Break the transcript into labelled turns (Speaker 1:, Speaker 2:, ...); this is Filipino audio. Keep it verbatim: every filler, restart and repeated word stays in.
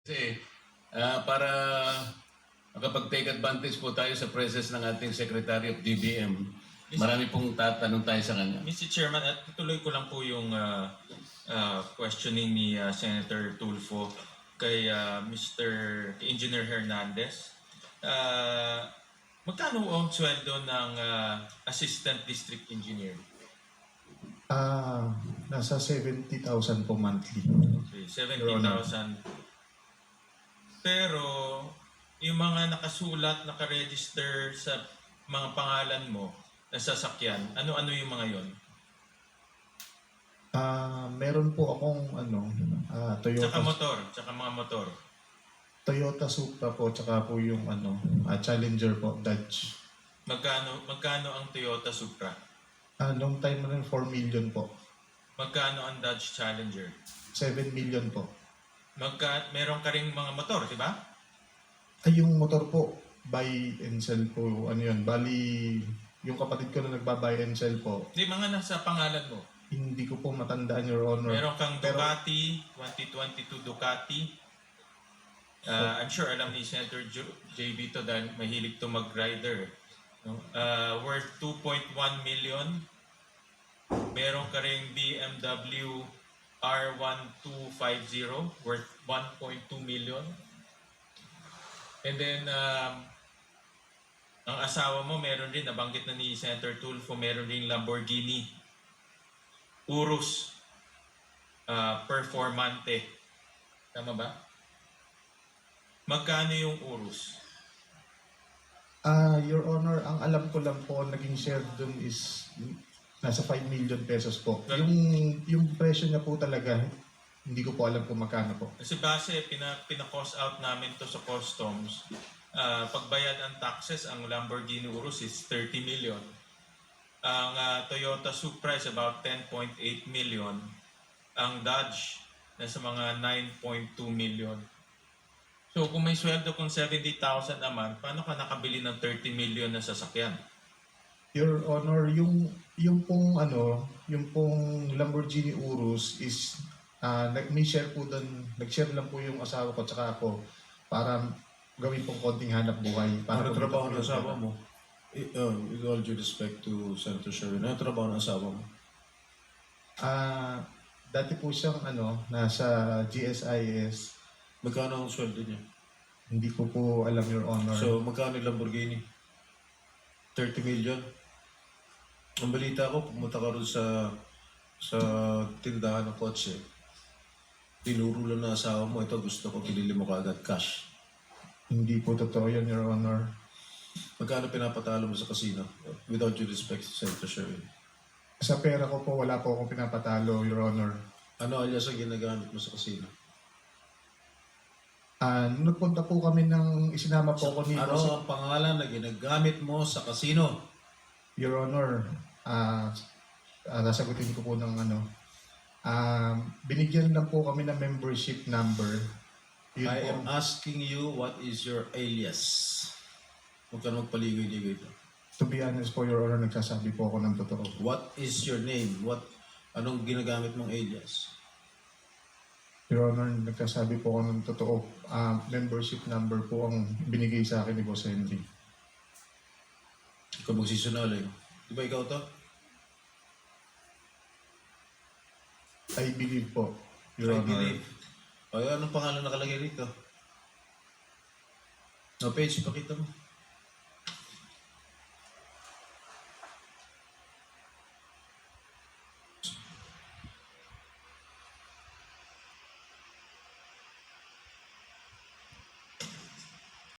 Speaker 1: Kasi ah, para makapag-take advantage po tayo sa presence ng ating Secretary of D B M, marami pong tatanong tayo sa kanya.
Speaker 2: mister Chairman, at tuloy ko lang po yung uh, uh, questioning ni uh, Senator Tulfo kay uh, mister Engineer Hernandez. Uh, magkano ang sweldo ng uh, Assistant District Engineer?
Speaker 3: Ah, nasa seventy thousand po monthly.
Speaker 2: Okay, seventy thousand. Pero yung mga nakasulat, nakaregister sa mga pangalan mo na sasakyan, ano-ano yung mga yon?
Speaker 3: Ah, meron po akong ano, ah, Toyota
Speaker 2: Tsaka motor, tsaka mga motor.
Speaker 3: Toyota Supra po, tsaka po yung ano, ah, Challenger po, Dodge.
Speaker 2: Magkano magkano ang Toyota Supra?
Speaker 3: Ah, long time na rin, four million po.
Speaker 2: Magkano ang Dodge Challenger?
Speaker 3: seven million po.
Speaker 2: Magka meron ka ring mga motor, di ba?
Speaker 3: Ay, yung motor po, buy and sell po, ano yun, bali, yung kapatid ko na nagba-buy and sell po,
Speaker 2: Di mga nasa pangalan mo.
Speaker 3: hindi ko po matandaan, Your Honor.
Speaker 2: Meron kang
Speaker 3: Pero-
Speaker 2: Ducati, twenty twenty-two Ducati. Uh, I'm sure alam ni Senator Jo- J B to dahil mahilig to mag-rider. No? Uh, worth two point one million. Meron ka ring B M W R one two five zero worth one point two million. And then, um, ang asawa mo meron rin, nabanggit na ni Senator Tulfo, meron rin Lamborghini Urus uh, Performante. Tama ba? Magkano yung Urus?
Speaker 3: Ah, Your Honor, ang alam ko lang po, naging share dun is nasa five million pesos po.
Speaker 2: Well-
Speaker 3: Yung yung presyo niya po talaga, hindi ko po alam kung magkano po.
Speaker 2: Kasi base, pina, pina-cost out namin to sa customs. Uh, pagbayad ang taxes, ang Lamborghini Urus is thirty million. Ang uh, Toyota Supra is about ten point eight million. Ang Dodge, nasa mga nine point two million. So kung may sweldo kung seventy thousand a month, paano ka nakabili ng thirty million na sasakyan?
Speaker 3: Your Honor, yung yung pong ano, yung pong Lamborghini Urus is ah nag may share po doon, nag-share lang po yung asawa ko tsaka ako para gawin pong konting hanap buhay. Para
Speaker 4: Ano
Speaker 3: kumita
Speaker 4: trabaho
Speaker 3: po
Speaker 4: ng
Speaker 3: yung
Speaker 4: asawa
Speaker 3: pera.
Speaker 4: mo? I- uh, with all due respect to Senator Sherwin, ano trabaho ng asawa mo?
Speaker 3: Ah, dati po siyang ano, nasa G S I S.
Speaker 4: Magkano ang sweldo niya?
Speaker 3: Hindi ko po alam, Your Honor.
Speaker 4: So, magkano yung Lamborghini? thirty million? Ang balita ko, pumunta ka rin sa sa tindahan ng kotse. Tinuro lang ng asawa mo, ito gusto ko, pinili mo kaagad cash.
Speaker 3: Hindi po totoo yun, Your Honor.
Speaker 4: Magkano pinapatalo mo sa casino? Without due respect to Senator Sherwin.
Speaker 3: Sa pera ko po, wala po akong pinapatalo, Your Honor.
Speaker 4: Ano alias ang ginagamit mo sa casino?
Speaker 3: Ah, nung nagpunta po kami ng isinama po ako ni
Speaker 4: Ano ang pangalan na ginagamit mo sa casino?
Speaker 3: Your Honor, ah ah, nasagutin ko po ng ano. Ah, binigyan lang po kami ng membership number. Yun
Speaker 4: I
Speaker 3: po.
Speaker 4: am asking you, what is your alias? Huwag ka na magpaligoy-ligoy ito.
Speaker 3: To be honest po, Your Honor, nagsasabi po ako ng totoo.
Speaker 4: What is your name? What anong ginagamit mong alias?
Speaker 3: Your Honor, nagsasabi po ako ng totoo. Ah, membership number po ang binigay sa akin ni Boss Henry.
Speaker 4: Ikaw magsisinungaling. Di ba ikaw to?
Speaker 3: I believe po, Your
Speaker 4: I
Speaker 3: Honor.
Speaker 4: believe. O, anong pangalan nakalagay rito? No, page, pakita mo.